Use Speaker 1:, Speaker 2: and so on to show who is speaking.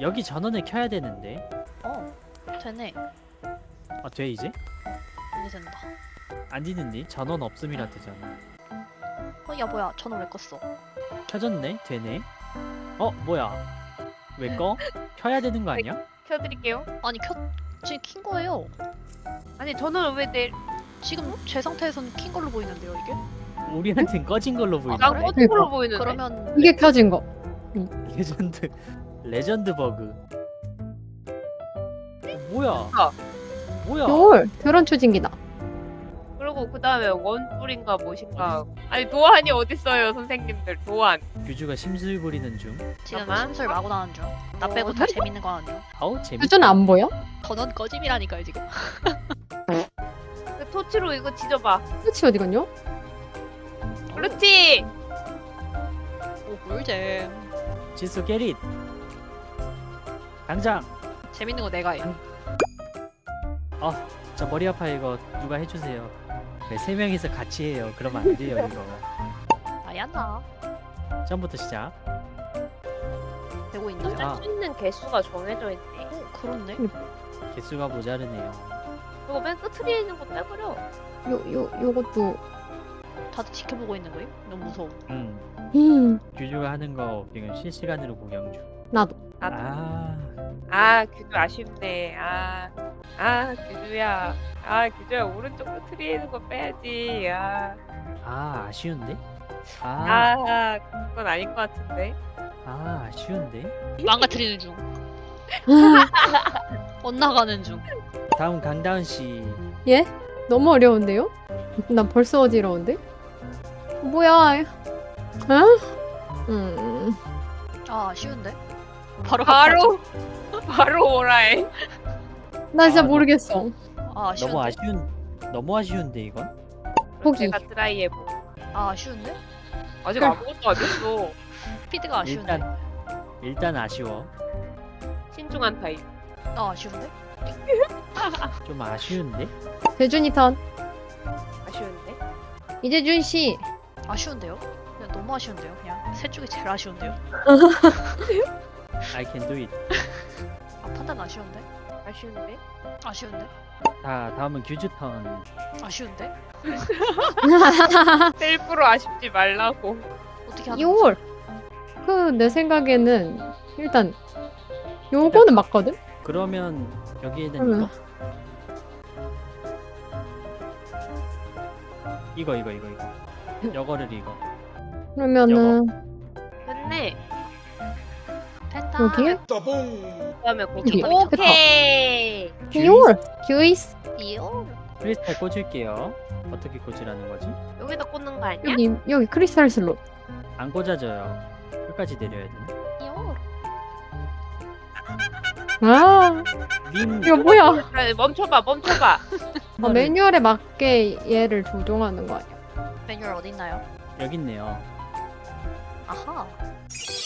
Speaker 1: 여기 전원을 켜야 되는데.
Speaker 2: 되네.
Speaker 1: 아, 돼 이제?
Speaker 2: 이제 된다.
Speaker 1: 안 되는데? 전원 없음이라 되잖아.
Speaker 2: 야 뭐야 전원 왜 껐어?
Speaker 1: 켜졌네? 되네? 뭐야? 왜 꺼? 켜야 되는 거 아니야?
Speaker 3: 켜드릴게요.
Speaker 2: 아니 지금 킨 거예요.
Speaker 3: 아니 저는 왜 내?
Speaker 2: 지금 제 상태에서는 킨 걸로 보이는데요 이게?
Speaker 1: 우리한텐 꺼진 걸로 보이네.
Speaker 3: 난
Speaker 2: 그래?
Speaker 3: 꺼진 걸로 보이는데.
Speaker 2: 그러면
Speaker 4: 이게 켜진 거.
Speaker 1: 레전드 버그. 뭐야? 뭐야?
Speaker 4: 헐, 드론 추진기다.
Speaker 3: 그리고 그 다음에 원뿔인가 무엇인가. 아니 도안이 어딨어요 선생님들 도안.
Speaker 1: 규주가 심술 부리는 중.
Speaker 2: 지금
Speaker 3: 잠깐만.
Speaker 2: 심술 마구 나는 중. 나 빼고 다 재밌는 거 하는 중.
Speaker 1: 아우 재밌.
Speaker 4: 규준 안 보여?
Speaker 2: 전원 꺼짐이라니까요 지금.
Speaker 3: 그 토치로 이거 지져봐.
Speaker 4: 끝이 어디 갔냐?
Speaker 3: 그렇지.
Speaker 2: 오 꿀잼.
Speaker 1: 지수 게릿. 당장.
Speaker 2: 재밌는 거 내가 해.
Speaker 1: 저 머리 아파 이거 누가 해주세요. 네, 세 명이서 같이 해요. 그러면 안 돼요 이거.
Speaker 2: 아야나.
Speaker 1: 처음부터 시작.
Speaker 2: 되고 있나요?
Speaker 1: 아.
Speaker 3: 쓸 수 있는 개수가 정해져 있네.
Speaker 2: 그렇네.
Speaker 1: 개수가 모자르네요.
Speaker 3: 그거 맨 끝에 있는 거 빼버려.
Speaker 4: 요것도.
Speaker 2: 다들 지켜보고 있는 거임? 너무 무서워.
Speaker 1: 규주가 하는 거 지금 실시간으로 구경 중.
Speaker 4: 나도.
Speaker 3: 규주 아쉽네. 규주야. 규주야 오른쪽 끝에 있는 거 빼야지.
Speaker 1: 아쉬운데?
Speaker 3: 그건 아닌 것 같은데.
Speaker 1: 아쉬운데?
Speaker 2: 망가뜨리는 중. 엇나가는 중.
Speaker 1: 다음 강다은 씨.
Speaker 4: 예? 너무 어려운데요? 난 벌써 어지러운데? 뭐야?
Speaker 2: 쉬운데?
Speaker 3: 바로 오라해.
Speaker 4: 나 진짜
Speaker 1: 아,
Speaker 4: 모르겠어.
Speaker 2: 쉬운데?
Speaker 1: 너무 아쉬운데 이건?
Speaker 4: 포기.
Speaker 3: 내가 트라이 해보.
Speaker 2: 쉬운데?
Speaker 3: 아직
Speaker 4: 그래.
Speaker 3: 아무것도 안 했어.
Speaker 2: 스피드가 아쉬운데?
Speaker 1: 일단 아쉬워.
Speaker 3: 신중한 타입.
Speaker 2: 아쉬운데?
Speaker 1: 좀 아쉬운데?
Speaker 4: 대준이 턴.
Speaker 3: 아쉬운데?
Speaker 4: 이재준 씨.
Speaker 2: 아쉬운데요? 그냥 너무 아쉬운데요? 그냥 셋 중에 제일 아쉬운데요?
Speaker 1: I can do it.
Speaker 2: 판단 아쉬운데?
Speaker 3: 아쉬운데?
Speaker 2: 아쉬운데?
Speaker 1: 다음은 규주 턴.
Speaker 2: 아쉬운데?
Speaker 3: 셀프로 아쉽지 말라고.
Speaker 2: 어떻게 하는 거지?
Speaker 4: 이월. 내 생각에는 일단 요거는 맞거든?
Speaker 1: 그러면 여기에는
Speaker 4: 그러면.
Speaker 1: 이거. 이거를 이거.
Speaker 4: 그러면은
Speaker 3: 됐네.
Speaker 2: 됐다.
Speaker 4: 여기에?
Speaker 3: 그다음에 거기.
Speaker 4: 여기.
Speaker 3: 오케이.
Speaker 4: 이월. 규이스.
Speaker 2: 이요?
Speaker 1: 크리스탈 꽂을게요. 어떻게 꽂으라는 거지?
Speaker 3: 여기다 꽂는 거 아니야?
Speaker 4: 여기 크리스탈 슬롯.
Speaker 1: 안 꽂아져요. 끝까지 내려야 되네.
Speaker 2: 이요?
Speaker 1: 님
Speaker 4: 이거 뭐야?
Speaker 3: 아니, 멈춰봐.
Speaker 4: 매뉴얼에 맞게 얘를 조종하는 거 아니야?
Speaker 2: 매뉴얼 어딨나요?
Speaker 1: 여기 있네요.
Speaker 2: 아하.